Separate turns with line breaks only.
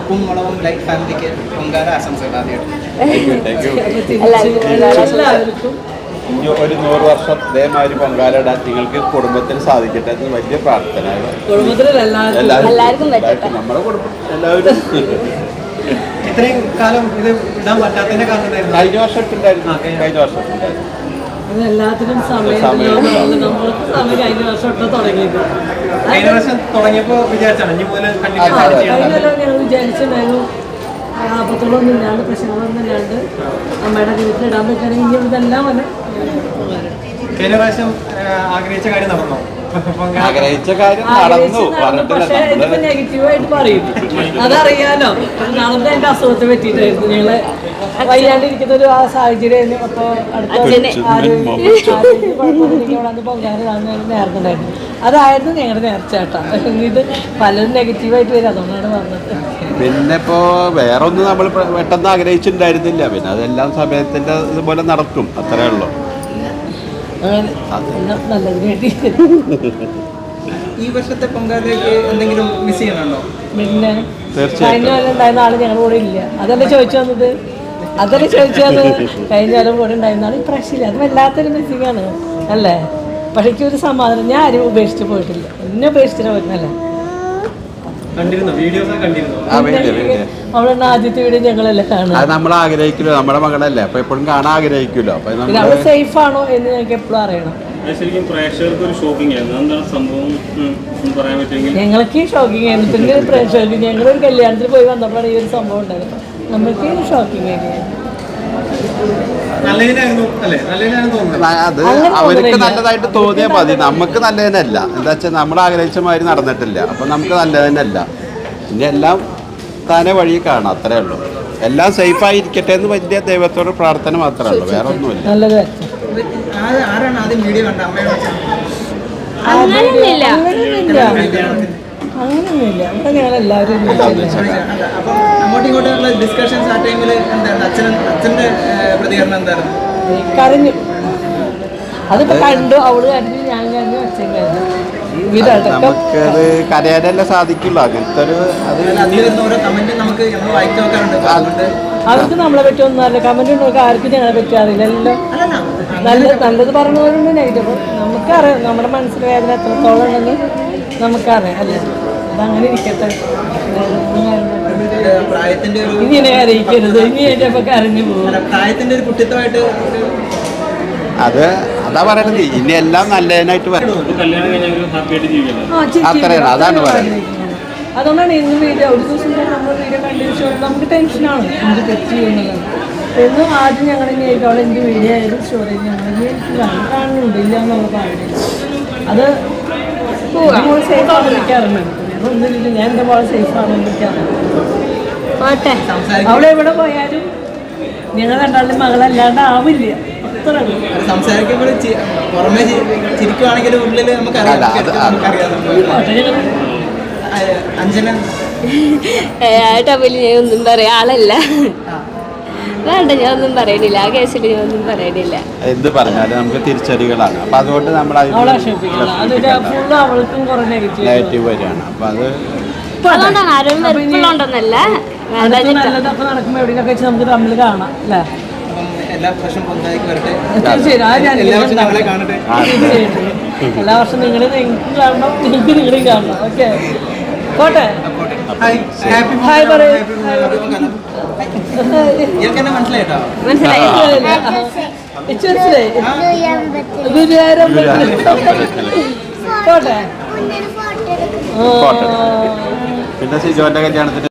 ഉപ്പും മുളകും ലൈഫ് ഫാമിലിക്ക് പൊങ്കാല ആശംസകൾ ആദ്യമായിട്ട്.
എല്ലാവർക്കും ഒരു 100 വർഷം ഇതേമാതിരി പൊങ്കാലിടാൻ നിങ്ങൾക്ക് കുടുംബത്തിൽ സാധിക്കട്ടെ എന്ന് വലിയ പ്രാർത്ഥന. എല്ലാവർക്കും നമ്മുടെ കുടുംബം എല്ലാവരും.
ഇത്രയും കാലം ഇത് ഇടാൻ പറ്റാത്തതിന്റെ കാരണം
കഴിഞ്ഞ വർഷം ഉണ്ടായിരുന്നു.
എല്ലാത്തിനും സമയം കഴിഞ്ഞ വർഷം തുടങ്ങിയത്.
കഴിഞ്ഞ വർഷം തുടങ്ങിയപ്പോ വിചാരിച്ചാണ് ഇനി മുതൽ
ഞങ്ങൾ വിചാരിച്ചിട്ടുണ്ടായിരുന്നു ആപത്തുകളൊന്നും ഇല്ലാണ്ട് പ്രശ്നങ്ങളൊന്നും ഇല്ലാണ്ട് അമ്മയുടെ വീട്ടിലിടാൻ പറ്റുകയാണെങ്കിൽ ഇനി ഇതെല്ലാം വന്ന്
കഴിഞ്ഞ പ്രാവശ്യം ആഗ്രഹിച്ച കാര്യം നടന്നോ?
ആഗ്രഹിച്ച കാര്യം നടന്നു.
പക്ഷേ ഇതിപ്പോ നെഗറ്റീവായിട്ട് പറയും, അതറിയാലോ. നാളത്തെ എന്റെ അസുഖത്തെ പറ്റിയിട്ടായിരുന്നു. ഞങ്ങള് വയ്യാണ്ടിരിക്കുന്ന ഒരു സാഹചര്യമായിരുന്നു. അപ്പൊ അടുത്ത ആരോഗ്യം പൊങ്കാല നേർന്നുണ്ടായിരുന്നു. അതായിരുന്നു ഞങ്ങളുടെ നേർച്ചേട്ടാ. ഇത് പലരും നെഗറ്റീവായിട്ട് വരും, അതുകൊണ്ടാണ് പറഞ്ഞത്.
പിന്നെ ഇപ്പോ വേറെ ഒന്നും നമ്മൾ പെട്ടെന്ന് ആഗ്രഹിച്ചിട്ടുണ്ടായിരുന്നില്ല. പിന്നെ അതെല്ലാം സമയത്തിന്റെ ഇതുപോലെ നടക്കും, അത്രേ ഉള്ളൂ.
നല്ലതിന് വേണ്ടി.
ഈ വർഷത്തെ പൊങ്കാലയ്ക്ക് എന്തെങ്കിലും മിസ് ചെയ്യണുണ്ടോ?
പിന്നെ കഴിഞ്ഞ കൊല്ലം ഉണ്ടായിരുന്ന ആള് ഞങ്ങളുടെ കൂടെ ഇല്ല. അതല്ലേ ചോദിച്ചു വന്നത്. കഴിഞ്ഞ കൊല്ലം കൂടെ ഉണ്ടായിരുന്ന ആൾ ഇപ്രാവശ്യമില്ല. അത് വല്ലാത്തൊരു മിസ്സിംഗ് ആണ് അല്ലേ? പക്ഷേ എനിക്കൊരു സമാധാനം, ഞാൻ ആരും ഉപേക്ഷിച്ച് പോയിട്ടില്ല. എന്നെ ഉപേക്ഷിച്ചിട്ട് പോയിരുന്നല്ലേ. അവളെ ആദ്യത്തെ വീഡിയോ ഞങ്ങളല്ലേ കാണുക.
അത് നമ്മൾ ആഗ്രഹിക്കുമല്ലോ, നമ്മുടെ മകളല്ലേ, അപ്പൊ എപ്പോഴും കാണാൻ ആഗ്രഹിക്കുമല്ലോ. അപ്പൊ
അവള് സേഫ് ആണോ എന്ന് ഞങ്ങൾക്ക് എപ്പോഴും അറിയണം.
ശരിക്കും പ്രേക്ഷകർക്ക് ഒരു ഷോക്കിംഗ് ആയിരുന്നു. എന്താണ് സംഭവം പറയാൻ പറ്റുമെങ്കിൽ?
ഞങ്ങൾക്ക് ഷോക്കിംഗ് ആയിരുന്നു. പിന്നെ പ്രേക്ഷകർക്ക് ഞങ്ങളൊരു കല്യാണത്തിന് പോയി വന്നപ്പോഴാണ് ഈ ഒരു സംഭവം ഉണ്ടായത്. നമുക്ക് ഷോക്കിംഗ് ആയിരുന്നു.
അത് അവർക്ക് നല്ലതായിട്ട് തോന്നിയാൽ മതി, നമുക്ക് നല്ലതിനല്ല. എന്താ വെച്ചാൽ നമ്മൾ ആഗ്രഹിച്ച മാതിരി നടന്നിട്ടില്ല, അപ്പൊ നമുക്ക് നല്ലതിനല്ല. ഇനി എല്ലാം താനെ വഴി കാണാം, അത്രേ ഉള്ളൂ. എല്ലാം സേഫായിരിക്കട്ടെ എന്ന് വലിയ ദൈവത്തോട് പ്രാർത്ഥന മാത്രമേ ഉള്ളൂ, വേറെ ഒന്നുമില്ല.
അങ്ങനെയൊന്നുമില്ല. ഇവിടെ ഞങ്ങൾ എല്ലാവരും കരഞ്ഞു. അതിപ്പോ കണ്ടു, അവള് കരഞ്ഞു, ഞാൻ കരഞ്ഞു, അച്ഛൻ കരഞ്ഞു.
നമുക്കത് കരയാനല്ലേ സാധിക്കുള്ളൂ. അങ്ങനത്തെ ഒരു
അവർക്ക് നമ്മളെ പറ്റി ഒന്നും അറിയില്ല. കമന്റ് ഉണ്ടോ ആർക്കും ഞങ്ങളെ പറ്റി അറിയില്ലല്ലോ. നല്ലത് പറഞ്ഞവരുണ്ട്, നെഗറ്റീവ് നമുക്കറിയാം. നമ്മുടെ മനസ്സിൽ വേദന എത്രത്തോളം ഉണ്ടെന്ന് നമുക്കറിയാം അല്ലേ. അതങ്ങനെ ഇരിക്കട്ടെ. ഇങ്ങനെ അറിയിക്കരുത്, ഇനി ഏറ്റപ്പോ കരഞ്ഞു പോകും.
പ്രായത്തിന്റെ ഒരു കുട്ടിത്വമായിട്ട്
അത് അതാ പറയണത്. ഇനി എല്ലാം നല്ലതിനായിട്ട് വരും. അത്രയാണ്, അതാണ് പറയുന്നത്.
അതുകൊണ്ടാണ് ഇന്ന് വീഡിയോ ഒരു ദിവസം നമ്മൾ വീഡിയോ കണ്ടിന്യൂസ് നമുക്ക് ടെൻഷനാണ് എന്ത് തെറ്റ് ചെയ്യുന്നത്. എന്നും ആദ്യം ഞങ്ങൾ ഇനി അവിടെ എന്ത് വീഡിയോ ആയാലും സ്റ്റോറേജ് ഞങ്ങൾ കാണുന്നുണ്ട് ഇല്ല എന്നുള്ള പറയുന്നത്. അത് നമ്മൾ സേഫ് ആണെന്ന് വിളിക്കാറുണ്ട്. ഒന്നുമില്ല, ഞാൻ എൻ്റെ പോലെ സേഫ് ആണെന്ന് വിളിക്കാറുണ്ട്. അവിടെ എവിടെ പോയാലും ഞങ്ങൾ രണ്ടാളുടെ മകളല്ലാണ്ട് ആവില്ല.
സംസാരിക്കുമ്പോൾ പുറമെ ചിരിക്കുവാണെങ്കിലും ഉള്ളില്
ടബിൽ ഞാൻ ഒന്നും പറയാ ആളല്ല. വേണ്ട, ഞാൻ ഒന്നും പറയണില്ല. ആ കേസിൽ ഞാൻ ഒന്നും പറയണില്ല.
എന്ത് പറഞ്ഞാലും നമുക്ക് തിരിച്ചടികളാണ്. അപ്പൊ അതുകൊണ്ട് നമ്മൾ നെഗറ്റീവ് വരികയാണ്. അപ്പൊ
അതുകൊണ്ടാണ് ആരും വെറുപ്പുള്ളതുകൊണ്ടൊന്നല്ല.
നടക്കുമ്പോ എവിടെയൊക്കെ വെച്ച് നമുക്ക് തമ്മിൽ കാണാം അല്ലേ.
എല്ലാ വർഷം
എല്ലാ വർഷം നിങ്ങൾ നിങ്ങൾക്ക് കാണണം, നിങ്ങൾക്ക് നിങ്ങളെയും കാണണം. ഓക്കെ, പോട്ടെ. ഹായ് പറയൂ.
മനസ്സിലായി.
ഗുരുവായൂരം പോട്ടെ.
പിന്നെ സിജോന്റെ കല്യാണത്തിന്